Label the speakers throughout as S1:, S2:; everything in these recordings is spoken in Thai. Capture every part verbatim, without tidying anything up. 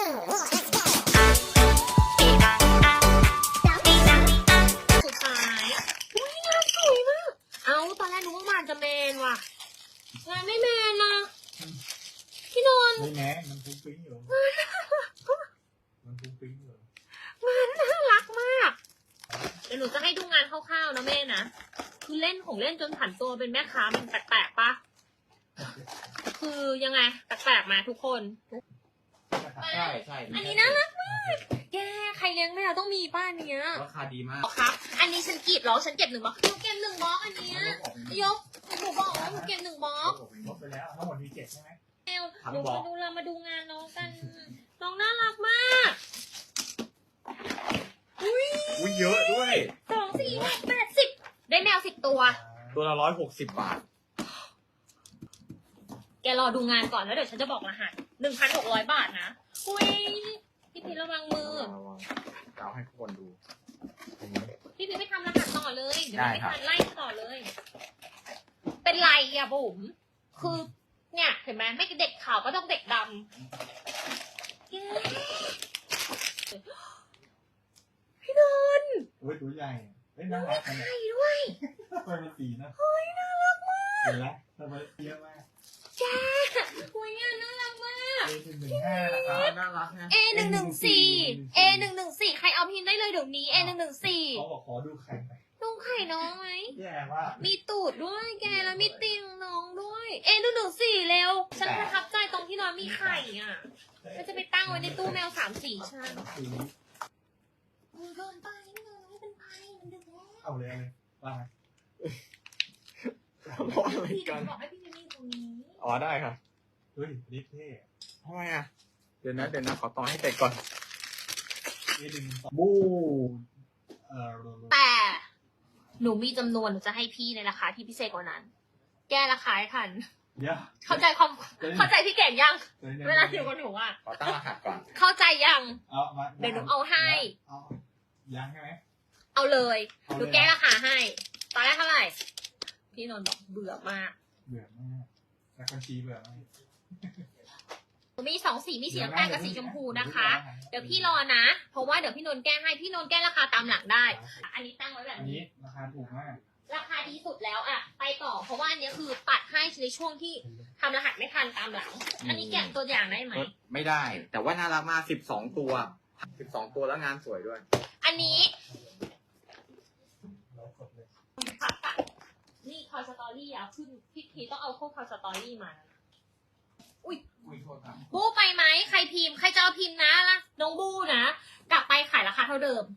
S1: สุดท้ายอุ้ยงานสวยมากเอาตอนแรกนึกว่างานจะเมนว่ะงานไม่เมนนะพี่นนท์
S2: ไม่แม้มันฟุ้งฟิ้งอยู่มันฟุ้งฟิ้งอยู่
S1: งานน่ารักมากเดี๋ยวหนูจะให้ดูงานคร่าวๆนะแม่นะคือเล่นของเล่นจนผันตัวเป็นแม่ค้ามันแปลกๆปะคือยังไงแปลกๆมาทุกคน
S3: ใช่ใช่
S1: อันนี้น่ารักมากแกใครเลี้ยงแมวต้องมีป้าเนี้ย
S3: ราคาดีมาก
S1: ครับ อันนี้ฉันกรีดเหรอฉันเก็บหนึ่งบล็อกหนูเก็บหนึ่งบล็อกอันเนี้ยยกหนูบอกแล้วหนูเก็บหนึ่งบล็อก
S2: ลบไปแล้วทั้งหมดมีเจ็ดใช่ไหม
S1: แมวหนูมาดูเรามาดูงานน้องกันน้องน่ารักมากอุ้ย
S3: อุ้ยเยอะด้วย
S1: สองสี่หกแปดสิบได้แมวสิบตัว
S3: ตัวละร้อยหกสิบบาท
S1: แกรอดูงานก่อนแล้วเดี๋ยวฉันจะบอกรหัสหนึ่งพันหกร้อยบาทนะอุ้ยพี่พีชระวังมือ
S3: เก่าให้ทุกคนดู
S1: พี่พีชไปทำรหัสต่อเลยเดี๋ยว
S3: ได้
S1: ไม่
S3: ครับ
S1: ทันไล่ต่อเลย เป็นไรอ่ะบุ๋มคือเนี่ยเห็นไหมไม่เด็กขาวก็ต้องเด็กดำเย้พี่นนท์
S2: โอ้ยตัวใหญ่เฮ้ยน่ารักจัง
S1: ไข่ด้วย
S2: ทำไมมันสีนะเฮ้ยน่ารักมากเห็นแล้วทำไมเยอะมาก
S1: แกคุยงานน่ารักมาก
S2: เอหนึ่งหนึ่งห้านะครับ
S3: น่ารักนะ
S1: A หนึ่งหนึ่งสี่ A หนึ่งหนึ่งสี่ใครเอาพิมพ์ได้เลยเดี๋ยวนี้ A หนึ่งหนึ่งสี่
S2: เขาบอกขอดูไข่ไป
S1: ดูไข่น้องไหม
S2: แย่ว่า
S1: มีตูดด้วยแกแล้วมีติ่งน้องด้วย A หนึ่งหนึ่งสี่เร็ว ฉันประทับใจตรงที่น้องมีไข่อ่ะฉันจะไปตั้งไว้ในตู้แมวสามสีฉัน
S2: สี
S1: มือเกินไปไม่เกินไม่เป็นไรมันดึกแล้ว
S2: เอาเลยเลยว่าไง
S3: บอกอะไร
S1: พี่
S3: กัน
S1: บอกให้พี่มีตรงนี้
S3: อ๋อได้ครับ
S2: เฮ้ยรีบเท่
S3: ทำไมอ่ะ เดี๋ยวนะเดี๋ยวนะขอต่อให้เสร็จก่อน
S2: เอหนึ่งสองบูเอ่อ
S1: แต่หนูมีจำนวนหนูจะให้พี่ในราคาที่พิเศษกว่านั้น แก้ราคาให้ทัน
S2: เดี๋ยว
S1: เข้าใจความเข้าใจพี่เก่งยัง
S2: ดี๋ย
S1: เวลาอยู่กับหนูอ่ะ
S3: ขอตั้งรหัสก่อน
S1: เข้าใจยัง
S2: เอามา
S1: เดี๋ยวหนูเอาให้
S2: เอายังใช่ไหม
S1: เอาเลย
S2: เอาเลย
S1: หนูแก้ราคาให้ ตอนแรกเท่าไหร่ พี่นนท์บอกเบื่อมาก
S2: เบื่อมากนักบัญชีเบื่อมาก
S1: มีสองสี มีสีน้ำตาลกับสีชมพูนะคะ เดี๋ยวพี่รอนะ เพราะว่าเดี๋ยวพี่นนท์แก้ให้ พี่นนท์แก้ราคาตามหลังได้ อันนี้ตั้งไว้แบบ
S2: อัน
S1: นี้
S2: นี้ราคาถูกมาก
S1: ราคาดีสุดแล้วอะไปต่อ เพราะว่าอันนี้คือตัดให้ในช่วงที่ทำรหัสไม่ทันตามหลัง อันนี้แกะตัวอย่างได้ไหม
S3: ไม่ได้ แต่ว่าน่ารักมากสิบสองตัวสิบสองตัวแล้วงานสวยด้วย
S1: อันนี้
S2: เรากดเลย
S1: นี่คอยสตอรี่อะขึ้นพี่พีต้องเอาพวกคอยสตอรี่มานะอุ้ย
S3: อุ้ยโทษครับ
S1: บูไปไหมใครพิมพ์ใครจะเอาพิมพ์นะล่ะน้องบูนะกลับไปขายราคาเท่าเดิม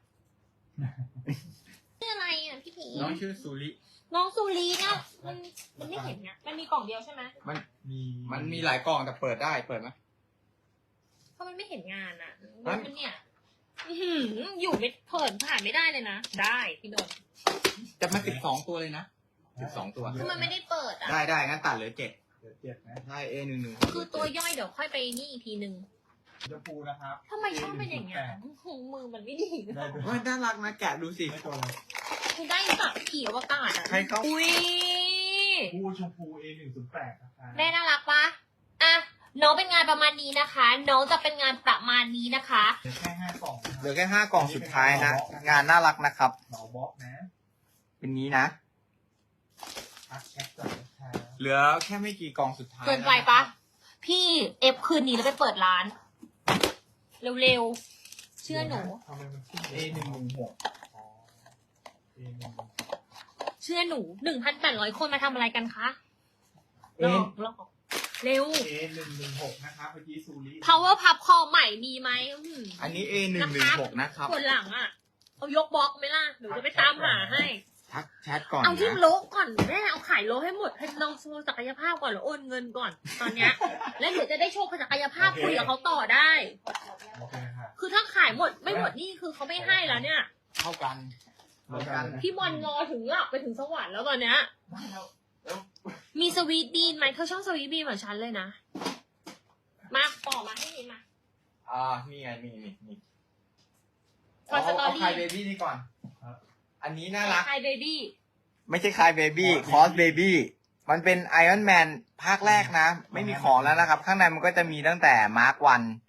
S1: ชื่ออะไรอ่ะพี่พี
S3: น้องชื่อซูริ
S1: น้องซูรีเนี่ยมันมันไม่เห็นเนี่ยมันมีกล่องเดียวใช่ไหม
S3: มัน
S2: มี
S3: มันมีหลายกล่องแต่เปิดได้ เปิดไหม
S1: เพราะมันไม่เห็นงานอ่ะ
S3: ฮะ
S1: มันเนี่ยอื้อหืออยู่ไม่เผินผ่านไม่ได้เลยนะได้พี่นนท์
S3: จะมาสิบสองตัวเลยนะสิบสองตัว
S1: คือมันไม่ได้เปิดอ่ะ
S3: ได้ได้งั้นตัดเหลือเจ็ด
S2: เดี๋ยวเจ็ดนะ
S3: ได้ A หนึ่งหนึ่ง
S1: คือตัวย่อยเดี๋ยวค่อยไปนี่อีกทีนึง
S2: ชมพูนะครับ
S1: ทำไมชอบเป็นอย่างงี้นโอ้โหมือมันไม่ดีเลย
S2: ได้ด้วย
S3: ว่าน่ารักนะแกะดูสิ
S2: ได้ตัวอะไร
S1: คือได้สับขี่อวกาศอ่ะ
S3: ใครเขา
S1: อุ้ย
S2: ผู้ชมพู เอหนึ่งศูนย์แปดนะคะ
S1: แม่น่ารักปะอ่ะน้องเป็นงานประมาณนี้นะคะ น้องจะเป็นงานประมาณนี้นะคะ
S2: เหลือแค่ห้ากล่องนะ
S3: เหลือแค่ห้ากล่องสุดท้ายนะ งานน่ารักนะครับ
S2: เหมาบล็อกนะ
S3: เป็นนี้นะ
S2: ทักแชทก่อนนะคะ
S3: เหลือแค่ไม่กี่กล่องสุดท้าย
S1: เกินไปปะพี่เอฟคืนนี้แล้วไปเปิดร้าน เร็วๆ เชื่อหนู
S2: ทำไมมันขึ้น
S3: เอหนึ่งหนึ่งหก
S2: อ๋อ เอหนึ่ง
S1: เชื่อหนูหนึ่งพันแปดร้อยคนมาทำอะไรกันคะ
S3: เอ
S1: ลอกลอกเร็ว
S2: เอหนึ่งหนึ่งหกนะครับเมื่อกี้ซูริ
S1: power pub คอใหม่มีไหมอื้อหือ
S3: อันนี้ เอหนึ่งหนึ่งหกนะครับ
S1: คนหลังอ่ะ เอายกบล็อกไหมล่ะหนูจะไปตามหาให้
S3: ทักแชทก่อน
S1: เอาที่
S3: นะ
S1: โลก่อนแม่เอาขายโลให้หมดให้น้องโชว์ศักยภาพก่อนแล้วโอนเงินก่อนตอนเนี้ย แล้วเดี๋ยวจะได้โชว์ศักยภาพคุยกับเขาต่อได้
S2: โอเคค่ะ
S1: คือถ้าขายหมดไม่หมดนี่คือเขาไม่ให้แล้วเนี่ย
S3: เท่ากันเหมือนกัน
S1: พี่บอลรอถึงหลับไปถึงสวรรค์แล้วตอนเนี้ย มีสวีทบีนไหมเธอชอบสวีทบีนเหมือนฉันเลยนะ มาต่อมาให้นี่มา
S3: อ่านี่ไงนี่นี่นี่
S1: ทอยสตอ
S3: เอา
S1: รี่
S3: คายเบบี้นี่ก่อน อันนี้น่ารัก
S1: ไฮเบบี้
S3: ไม่ใช่คายเบบี้คอสเบบี้มันเป็นไอรอนแมนภาคแรกนะ ไม่มีของแล้วนะครับ ข้างในมันก็จะมีตั้งแต่มาร์ควัน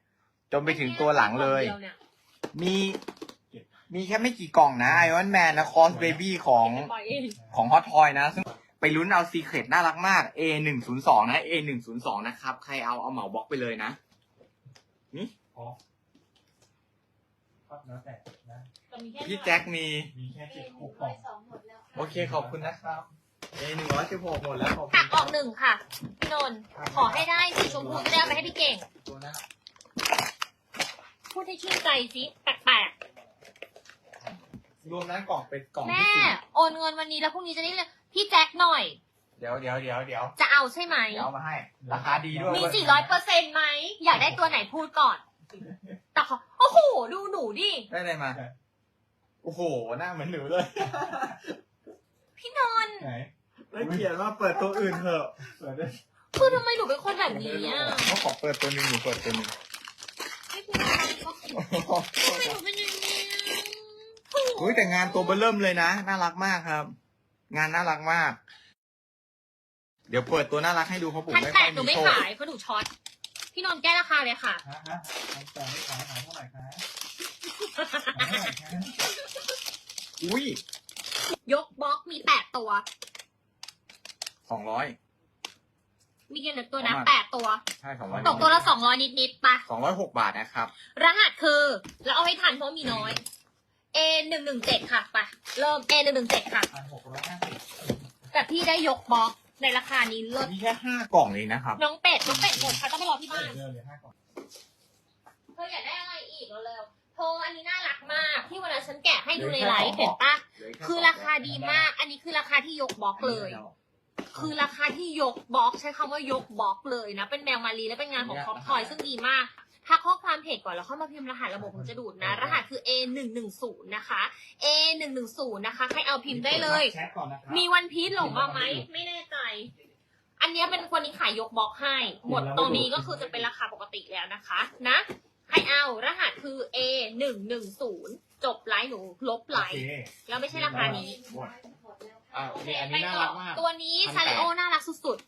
S3: จนไปถึงตัวหลังเลย
S1: ดีวนี่
S3: มี มีแค่ไม่กี่กล่องนะไอรอนแมนนะคอสเบบี้ของ
S1: ปล่อยเอง
S3: ของฮอตทอยนะซึ่งไปลุ้นเอาซีเครตน่ารักมาก เอ หนึ่งศูนย์สอง นะ เอ หนึ่งศูนย์สอง นะครับ ใครเอาเอาเหมาบล็อกไปเลยนะ นี่
S2: อ๋อครับแล้วแต่นะ
S1: แต่มีค่
S3: พี่แจ็คมี
S2: มีแค่เจ็ดหกกล่อง
S3: โอเคขอบคุณนะครับ เอ หนึ่งร้อยสิบหกหมดแล้วขอบคุ
S1: ตั
S3: ณ
S1: กออกหนึ่งค่ะ พี่นนท์ขอให้ได้สีชมพูจะได้เอาไปให้พี่เก่ง
S3: ตัวนั้น
S1: พูดให้ชื่นใจสิแปลก
S3: รวมนั้นกล่องเป็นกล่อง
S1: ๆ
S3: ที่
S1: แม่
S3: สี่
S1: โอนเงินวันนี้แล้วพรุ่งนี้จะได้เลยพี่แจ็คหน่อย
S3: เดี๋ยวเดี๋ยวเดี๋ยวเดี๋ยว
S1: จะเอาใช่ไหม
S3: เดี๋ยวเอามาให้ ราคาดีด้วย
S1: มีสี่ร้อยเปอร์เซ็นต์ไหม อยากได้ตัวไหนพูดก่อน แต่ขอโอ้โห ดูหนูดิ
S3: ได้อะไรมา โอ้โห หน้าเหมือนหนูเลย
S1: พี่นนท์
S2: ไหน
S3: แล้วเขียนว่าเปิดตัวอื่นเถอะ
S2: เปิดได้
S1: คือทำไมหนูเป็นคนแบบนี้อ่ะ
S3: เขาขอเปิดตัวหนึ่งหนูเปิดตัวหนึ่ง
S1: ไม่เป็นไรก็ทำไมหนูเป็นอย่างนี้อ่ะ
S3: เฮ้ยแต่งานตัวเบอร์เริ่มเลยนะ น่ารักมากครับ งานน่ารักมาก เดี๋ยวเปิดตัวน่ารักให้ดูเพราะผม
S1: พัน
S3: ไม่
S1: แป
S3: ค่อ
S1: ด
S3: ย
S1: หนู
S3: มี
S1: ไม่
S3: โชค
S1: ขายเพราะหนูช็อต พี่นนท์แก้ราคาเลยค่ะ
S2: ฮะฮะแต่ไม่ขายขายเท่าไหร่คะขายเท่าไหร่คะ
S3: อุ้ย
S1: ยกบล็อกมีแปดตัว
S3: สองร้อย
S1: มีกี่ตัวนะ
S3: ประมาณ
S1: แปดตัว
S3: ใช่สองร้อย
S1: ตกตัวละสองร้อยนิดๆปะ
S3: สองร้อยหกบาทนะครับ
S1: รหัสคือ แล้วเอาให้ทันเพราะมีน้อย A หนึ่งหนึ่งเจ็ดค่ะไปเริ่ม A หนึ่งหนึ่งเจ็ดค่ะ
S2: พันหกร้อยห้าสิบ
S1: แต่พี่ได้ยกบล็อกในราคานี้เลิศ
S3: มีแค่ห้ากล่องเองนะครับ
S1: น้องเป็ดน้องเป็ดหมดค่ะต้องไปรอที่บ้าน
S2: เดือนเลยห้ากล่อง
S1: เธออยากได้อะไรอีกเร็วๆโทรอันนี้น่ารักมาก ที่วันนั้นฉันแกะให้ดูในไลฟ์เห็นปะคือราคาดีมาก อันนี้คือราคาที่ยกบล็อกเลย คือราคาที่ยกบล็อกใช้คำว่ายกบล็อกเลยนะ เป็นแมวมารีและเป็นงานของคอปทอยซึ่งดีมาก ถ้าข้อความเพจก่อนแล้วเข้ามาพิมพ์รหัสระบบผมจะดูดนะ รหัสคือ A หนึ่งหนึ่งศูนย์นะคะ A หนึ่งหนึ่งศูนย์นะคะใครเอาพิมพ์ได้เลย
S2: แชทก่อนนะครับ
S1: มีวันพีชหลงมาไหมไม่แน่ใจ อันเนี้ยเป็นคนนี้ขายยกบล็อกให้ หมดตรงนี้ก็คือจะเป็นราคาปกติแล้วนะคะ นะใครเอารหัสคือ A หนึ่งหนึ่งศูนย์จบไลน์หนูลบไล
S2: โอ
S1: น์
S2: เค
S1: แล้วไม่ใช่ราคานี้
S2: หมด
S3: อ่ะ
S1: โอเค
S3: นี่อัน
S1: ไป
S3: นี้น่า
S1: ต่
S3: รั
S1: อก
S3: มาก
S1: ตัวนี้
S3: พันแปด
S1: ซาริโอน่ารักสุด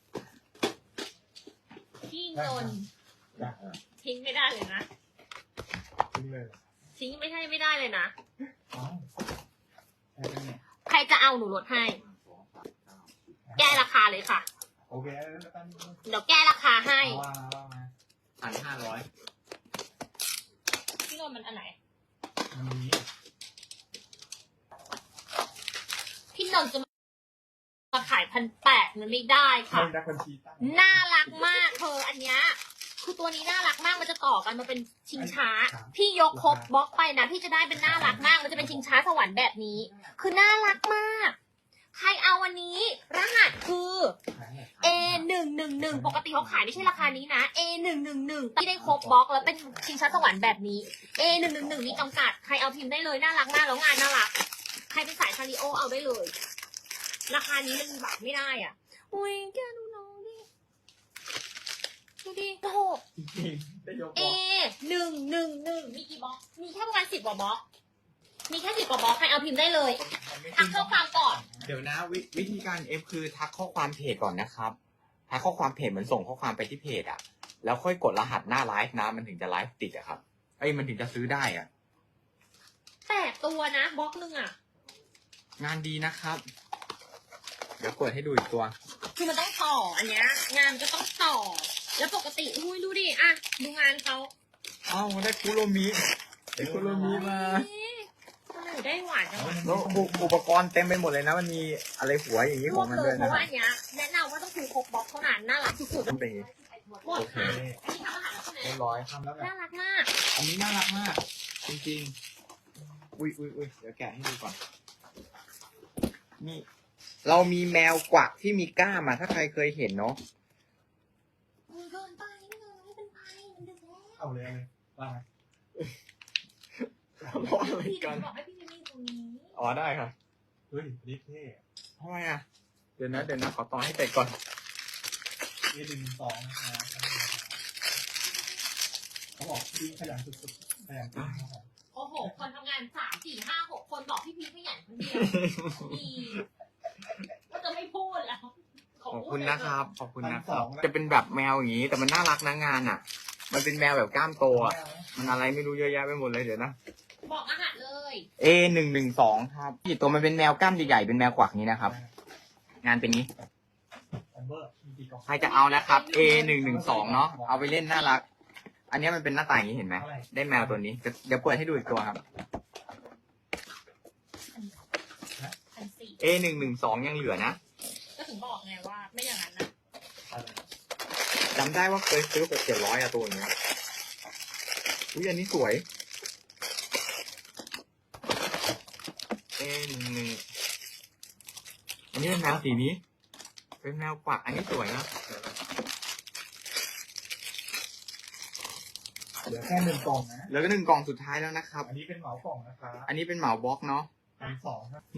S1: ๆ พี่นนท์
S2: จ้ะ
S1: ทิ้งไม่ได้เลยนะ
S2: ทิ้งเลย
S1: ทิ้งไม่ใช่ไม่ได้เลยนะ
S2: เอ้าแชทเนี่ย
S1: ใครจะเอาหนูลดให้ แก้ราคาเลยค่ะ
S2: โอเคแล้วกัน
S1: เดี๋ยวแก้ราคาให้
S2: เอาว่าว่ามา
S3: พันห้าร้อย
S1: พี่นนท์มันอันไหน
S2: มันมี
S1: พี่นนท์จะมาขายพันแปดมันไม่ได้ค่ะ
S2: ให้นักบัญชีตั้ง
S1: น่ารักมากเธออันเนี้ยคือตัวนี้น่ารักมากมันจะต่อกันมาเป็นชิงช้า พี่ยกครบบล็อกไปนะพี่จะได้เป็นน่ารักมากมันจะเป็นชิงช้าสวรรค์แบบนี้ คือน่ารักมาก ใครเอาวันนี้ รหัสคือ A หนึ่งหนึ่งหนึ่งปกติเขาขายไม่ใช่ราคานี้นะ A หนึ่งหนึ่งหนึ่งที่ได้ครบบล็อกแล้วเป็นชิงช้าสวรรค์แบบนี้ A หนึ่งหนึ่งหนึ่งมีจำกัดใครเอาพิมพ์ได้เลยน่ารักมากแล้วงานน่ารักใครเป็นสายซาริโอเอาได้เลย ราคานี้มันแบบไม่ได้อ่ะอุ้ยแกดูน้องดิดูดิโอ้โห
S3: จริงๆได้ยกบ
S1: A
S3: ล็อก
S1: หนึ่งหนึ่งหนึ่งมีกี่บล็อกมีแค่ประมาณสิบกว่าบล็อกมีแค่สิบกว่าบล็อกใครเอาพิมพ์ได้เลยทักข้อความก่อน
S3: เดี๋ยวนะววิธีการ F คือทักข้อความเพจก่อนนะครับ ทักข้อความเพจเหมือนส่งข้อความไปที่เพจอะแล้วค่อยกดรหัสหน้าไลฟ์นะมันถึงจะไลฟ์ติดอะครับเอ้ยมันถึงจะซื้อได้อะ
S1: แปดตัวนะบล็อกหนึ่งอ่ะ
S3: งานดีนะครับ เดี๋ยวเปิดให้ดูอีกตัว
S1: คือมันต้องต่ออันเนี้ยงานก็ต้องต่อ แล้วปกติอุ้ยดูดิอ่ะดูงานเขา
S3: อ้าวได้คุโรมิได้คุโรมิมา
S1: ทำไมหนูได้หวานจังวะ
S3: แล้วอุอุปกรณ์เต็มไปหมดเลยนะ มันมีอะไรหัวอย่างนี้
S1: ร
S3: ข
S1: ว
S3: อง
S1: บ
S3: มัน
S1: เล
S3: ด้วย ย
S1: เพ
S3: นะ
S1: ราะว่าอันเนี้ยแนะนำว่าต้องคือครบบล็อกเท่านั้นน่ารักสุด
S3: ต้องเป็น
S1: ๆหมดค่ะอันนี้ทำอาหารแล้วใช่ไหม
S3: เรียบร้อย
S2: ทำแล้วแบบ
S1: น่ารักมาก
S3: อันนี้น่ารักมาก จริงๆ อุ้ยอุ้ยอุ้ยเดี๋ยวแกะให้ดูก่อน นี่ เรามีแมวกวักที่มีกล้ามอ่ะถ้าใครเคยเห็นเนาะ
S1: มึงเกินไปไม่เลยไม่เป็นไรมันดึกแล้ว
S2: เอาเลยเอาเลยว่ามา
S3: เพราะอะไร
S1: พี่
S3: กัน
S1: บอกให้พี่มิมี่ตรงนี้
S3: อ๋อได้ค่ะ
S2: เฮ้ยดิเท่
S3: ทำไมอ่ะ เดี๋ยวนะเดี๋ยวนะขอต่อให้เสร็จก่อน
S2: เอหนึ่งสองนะครับเขาบอกพี่ขยันสุดๆขยันจริงครับ
S1: โอ้โห คนทำงานสามสี่ห้าหกคนบอกพี่พีขยันคนเดียวมีก็จะไม่พูดแล้ว
S3: ขอบคุณนะครับ ขอบคุณนะครับ จะเป็นแบบแมวอย่างนี้ แต่มันน่ารักนะงานอ่ะมันเป็นแมวแบบกล้ามโตอ่ะมันอะไรไม่รู้เยอะแยะไปหมดเลยเดี๋ยวนะ
S1: บอกรหัสเลย
S3: เอ หนึ่ง หนึ่ง สอง ครับที่ตัวมันเป็นแมวกล้ามใหญ่ๆเป็นแมวกวักนี้นะครับ งานเป็นนี้
S2: เบอร์มีกี่กล่อง
S3: ใครจะเอานะครับ เอ หนึ่ง หนึ่ง สอง เนาะเอาไปเล่นน่ารัก อันนี้มันเป็นหน้าตาอย่างนี้เห็นไหมได้แมวตัวนี้เดี๋ยวเปิดให้ดูอีกตัวครับ
S1: พันสี่
S3: เอ หนึ่ง หนึ่ง สอง ยังเหลือนะ
S1: ก็ถึงบอกไงว่าไม่อย่างนั้นนะ
S3: จำได้ว่าเคยซื้อหกเจ็ดร้อยอะตัวนี้อุ้ยอันนี้สวย เอ หนึ่ง หนึ่ง อันนี้เป็นแมวสีนี้ เป็นแมวกวักอันนี้สวยนะ
S2: เหลือแค่หนึ่งกล่องนะ
S3: เหลือก็หนึ่งกล่องสุดท้ายแล้วนะครับ
S2: อันนี้เป็นเหมากล่องนะครับ
S3: อันนี้เป็นเหมาบล็อกเนาะ
S2: พันสองครับ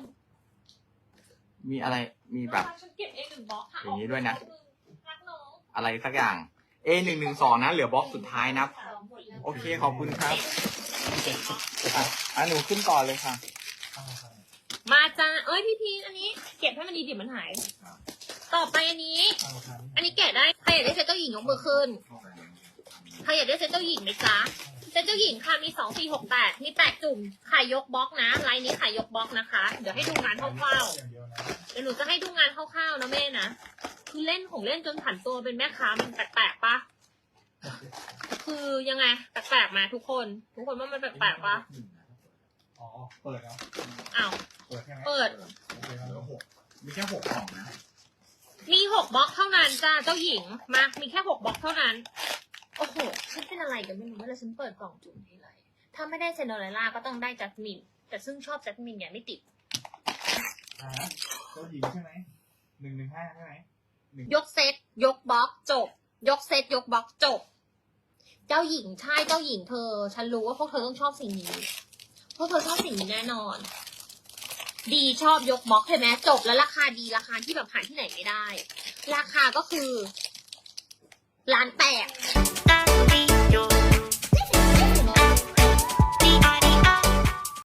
S3: มีอะไร มีแบบ
S1: ฉันเก็บเองหนึ่งบล็อกค่ะ
S3: อย่างนี้ด้วยนะ
S1: รักน้อง
S3: อะไรสักอย่าง เอ หนึ่ง หนึ่ง สอง นะ เหลือบล็อกสุดท้ายนะ โอเค ขอบคุณครับอ่ะอ่ะหนูขึ้นก่อนเลยค่ะ
S1: มาจ้าเอ้ยพี่พีชอันนี้ เก็บให้มันดีเดี๋ยวมันหาย ต่อไปอันนี้ อันนี้แกะได้ใครอยากได้เซตเจ้าหญิงยกมือขึ้นใครอยากได้เซตเจ้าหญิงไหมจ๊ะเซตเจ้าหญิงค่ะมีสองสี่หกแปดมีแปดจุ่มขายยกบล็อกนะไลน์นี้ขายยกบล็อกนะคะเดี๋ยวให้ดูงานคร่าวๆ
S2: อย่างเดียวนะ
S1: เดี๋ยวหนูจะให้ดูงานคร่าวๆนะแม่นะ คือเล่นของเล่นจนผันตัวเป็นแม่ค้ามันแปลกๆปะคือยังไงแปลกๆมาทุกคน ทุกคนว่ามันแปลกๆปะ
S2: อ๋อเปิดแล้ว
S1: อ้าว
S2: เปิดใช่ไหม
S1: เปิด
S2: โอเคแล้วเหลือหกมีแค่หกกล่องนะ
S1: มีหกบล็อกเท่านั้นจ้าเจ้าหญิง มา มีแค่หกบล็อกเท่านั้น โอ้โห ฉันเป็นอะไรกันไม่รู้เวลาฉันเปิดกล่องจุ่มทีไรถ้าไม่ได้เซนโดเรลล่าก็ต้องได้จัสมิน แต่ซึ่งชอบจัสมินอย่างไม่ติด
S2: อ่าเจ้าหญิงใช่ไหมหนึ่งหนึ่งห้าใช่ไหม
S1: ยกเซตยกบล็อกจบ ยกเซตยกบล็อกจบ เจ้าหญิงใช่เจ้าหญิงเธอ ฉันรู้ว่าพวกเธอต้องชอบสิ่งนี้ พวกเธอชอบสิ่งนี้แน่นอน ดีชอบยกบล็อกเห็นไหมจบแล้วราคาดีราคาที่แบบหาที่ไหนไม่ได้ ราคาก็คือล้านแปด